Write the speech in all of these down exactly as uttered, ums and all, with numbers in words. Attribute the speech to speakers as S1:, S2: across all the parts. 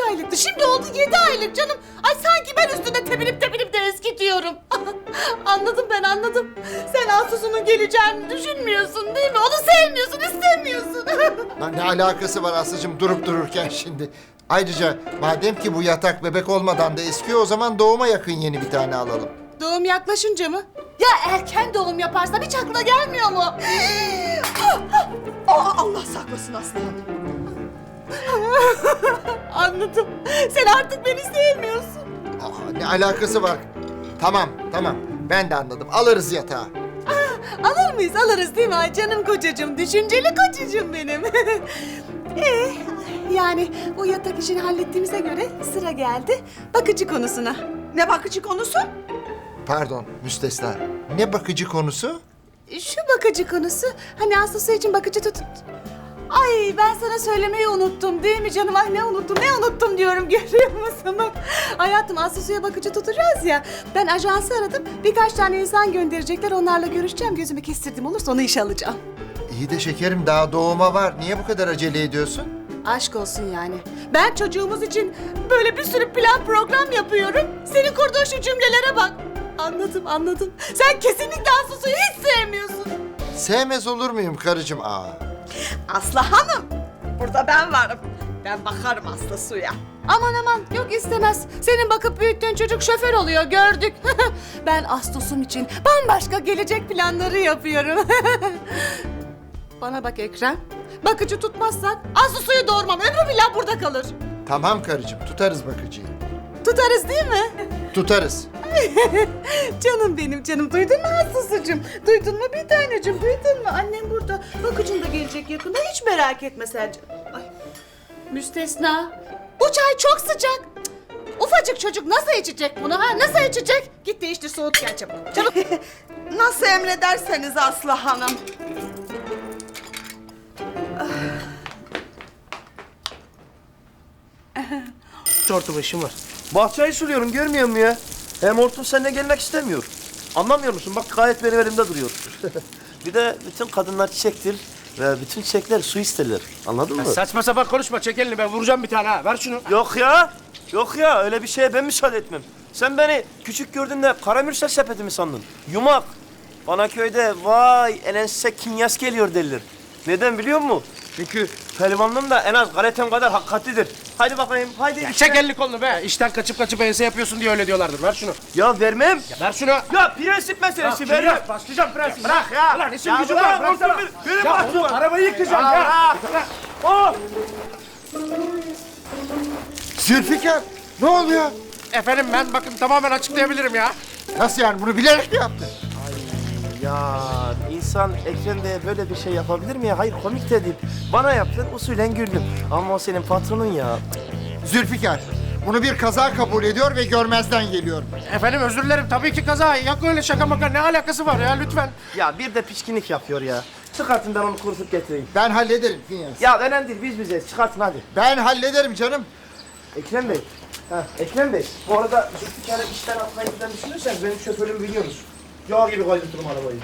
S1: aylıktı. Şimdi oldu yedi aylık canım. Ay sanki ben üstüne tepinip tepinip de eskitiyorum. Anladım ben anladım. Sen Asus'un geleceğini düşünmüyorsun değil mi? Onu sevmiyorsun, istemiyorsun.
S2: Lan ne alakası var Aslı'cığım durup dururken şimdi? Ayrıca madem ki bu yatak bebek olmadan da eskiyor, o zaman doğuma yakın yeni bir tane alalım.
S1: Doğum yaklaşınca mı? Ya erken doğum yaparsam hiç aklına gelmiyor mu?
S3: Aa, Allah saklasın aslanım.
S1: Anladım. Sen artık beni sevmiyorsun.
S2: Aa, ne alakası var? Tamam, tamam. Ben de anladım. Alırız yatağı.
S1: Alır mıyız? Alırız değil mi? Ay canım kocacığım, düşünceli kocacığım benim. Ee, yani bu yatak işini hallettiğimize göre sıra geldi bakıcı konusuna.
S3: Ne bakıcı konusu?
S2: Pardon, müstesna. Ne bakıcı konusu?
S1: Şu bakıcı konusu, hani Aslı için bakıcı tut... Ay ben sana söylemeyi unuttum değil mi canım? Ay ne unuttum, ne unuttum diyorum görüyor musun? Bak, hayatım Aslı Su'ya bakıcı tutacağız ya. Ben ajansı aradım, birkaç tane insan gönderecekler, onlarla görüşeceğim. Gözümü kestirdim, olursa onu işe alacağım.
S2: İyi de şekerim, daha doğuma var. Niye bu kadar acele ediyorsun?
S1: Aşk olsun yani. Ben çocuğumuz için böyle bir sürü plan program yapıyorum. Senin kurduğun şu cümlelere bak. Anladım, anladım. Sen kesinlikle Aslı Su'yu hiç sevmiyorsun.
S2: Sevmez olur muyum karıcığım? Aa.
S3: Aslı Hanım, burada ben varım. Ben bakarım Aslı Su'ya.
S1: Aman aman, yok istemez. Senin bakıp büyüttüğün çocuk şoför oluyor, gördük. Ben Ağustos'um için bambaşka gelecek planları yapıyorum. Bana bak Ekrem. Bakıcı tutmazsak Aslı Su'yu doğurmam. Ömrü billah burada kalır.
S2: Tamam karıcığım, tutarız bakıcıyı.
S1: Tutarız değil mi?
S2: Tutarız.
S1: Canım benim canım. Duydun mu Aslı'cığım? Duydun mu bir tanecim? Duydun mu? Annem burada. Bakıcın da gelecek yakında. Hiç merak etme sen. Ay. Müstesna. Bu çay çok sıcak. Cık, ufacık çocuk nasıl içecek bunu ha? Nasıl içecek? Git değiştir soğut gel çabuk. Çabuk.
S3: Nasıl emrederseniz Aslı Hanım.
S4: Tortu başım var. Bahçeyi suluyorum görmüyor musun ya? Hem Hortum seninle gelmek istemiyor. Anlamıyor musun? Bak gayet benim elimde duruyor. Bir de bütün kadınlar çiçektir ve bütün çiçekler su isterler. Anladın mı?
S5: Saçma sapan konuşma. Çek elini, ben vuracağım bir tane ha. Ver şunu.
S4: Yok ya. Yok ya. Öyle bir şeye ben müsaade etmem. Sen beni küçük gördüğünde karamürsel sepeti mi sandın? Yumak. Bana köyde vay elense kinyas geliyor derler. Neden biliyor musun? Çünkü pehlivanlığım da en az galetem kadar hakikatlidir. Haydi bakayım, haydi.
S5: Ya
S4: işte.
S5: çek elini kolunu be. İşten kaçıp kaçıp ense yapıyorsun diye öyle diyorlardır. Ver şunu.
S4: Ya vermem.
S5: Ya ver şunu.
S4: Ya prensip meselesi
S5: Ya,
S4: vermem.
S5: ya, başlayacağım prensip.
S4: Bırak ya.
S5: Ulan işim
S4: Ya
S5: gücüm
S4: bırak,
S5: var. Bıraksana.
S4: Hortum, benim
S5: Ya
S4: bahçem
S5: oğlum,
S4: var.
S5: arabayı yıkacağım
S4: Ya
S5: ya.
S4: bırak. Oh!
S2: Zülfikar, ne oluyor?
S5: Efendim ben bakın tamamen açıklayabilirim ya.
S2: Nasıl yani, bunu bilerek mi yaptın?
S4: Ya insan Ekrem Bey'e böyle bir şey yapabilir mi ya? Hayır komik de değil. Bana yaptın usulen güldüm. Ama o senin patronun ya.
S2: Zülfikar, bunu bir kaza kabul ediyor ve görmezden geliyor.
S5: Efendim özür dilerim. Tabii ki kaza. Yok öyle şaka maka. Ne alakası var ya lütfen.
S4: Ya bir de pişkinlik yapıyor ya. Çıkartın ben onu kurutup getireyim.
S2: Ben hallederim Finyas.
S4: Ya önemli değil biz bizeyiz. Çıkartın hadi.
S2: Ben hallederim canım.
S4: Ekrem Bey. Ha, Ekrem Bey. Bu arada Zülfikar'ı işten atmayı falan düşünürseniz benim şoförümü biliyorsunuz. Yağ gibi kaydırtırım arabayı.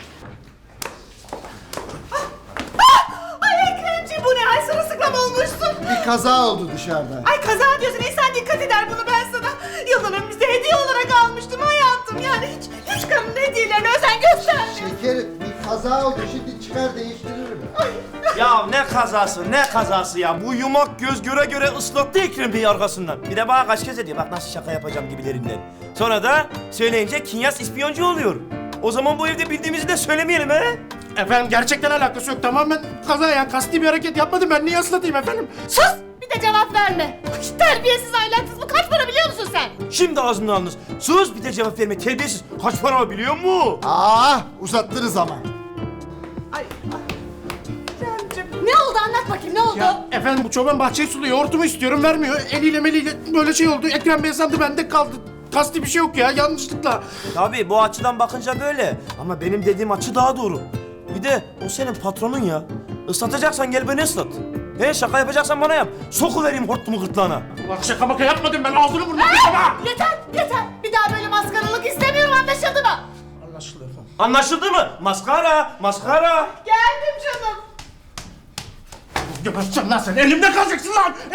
S1: Ay Ekremciğim bu ne? Ay sırılsıklam olmuşsun.
S2: Bir kaza oldu dışarıda.
S1: Ay kaza diyorsun. İnsan dikkat eder bunu ben sana. Yılların bize hediye olarak almıştım hayatım. Yani hiç, hiç kadın hediyelerine özen göstermiyor.
S2: Şekerim, bir kaza oldu. Şimdi çıkar değiştiririm.
S4: Ya ne kazası, ne kazası ya. Bu yumak göz göre göre ıslattı Ekrem Bey'i arkasından. Bir de bana kaç kez ediyor. Bak nasıl şaka yapacağım gibilerinden. Sonra da söyleyince Kinyas ispiyoncu oluyor. O zaman bu evde bildiğimizi de söylemeyelim he.
S5: Efendim gerçekten alakası yok. Tamamen kaza ya. Kasti bir hareket yapmadım. Ben niye ıslatayım efendim?
S1: Sus! Bir de cevap verme. Ay, terbiyesiz ahlaksız. Bu kaç para biliyor musun sen?
S4: Şimdi ağzından alınız. Sus bir de cevap verme terbiyesiz. Kaç para biliyor musun?
S2: Aa, uzattınız ama.
S1: Ne oldu anlat bakayım ne oldu?
S5: Ya efendim bu çoban bahçeyi suluyor. Hortumu istiyorum vermiyor. Eliyle meliyle böyle şey oldu. Ekrem Bey sandı bende kaldı. Kasti bir şey yok ya. Yanlışlıkla.
S4: Tabii bu açıdan bakınca böyle. Ama benim dediğim açı daha doğru. Bir de o senin patronun ya. Islatacaksan gel beni ıslat. He şaka yapacaksan bana yap. Sokuvereyim hortumu gırtlağına.
S5: Ulan şaka maka yapmadım ben. Ağzını burnunu kırma.
S1: Yeter yeter. Bir daha böyle maskaralık istemiyorum anlaşıldı mı?
S5: Anlaşıldı efendim.
S4: Anlaşıldı mı? Maskara, maskara.
S1: Geldim canım.
S5: Geberteceğim lan seni. Elimde kalacaksın lan.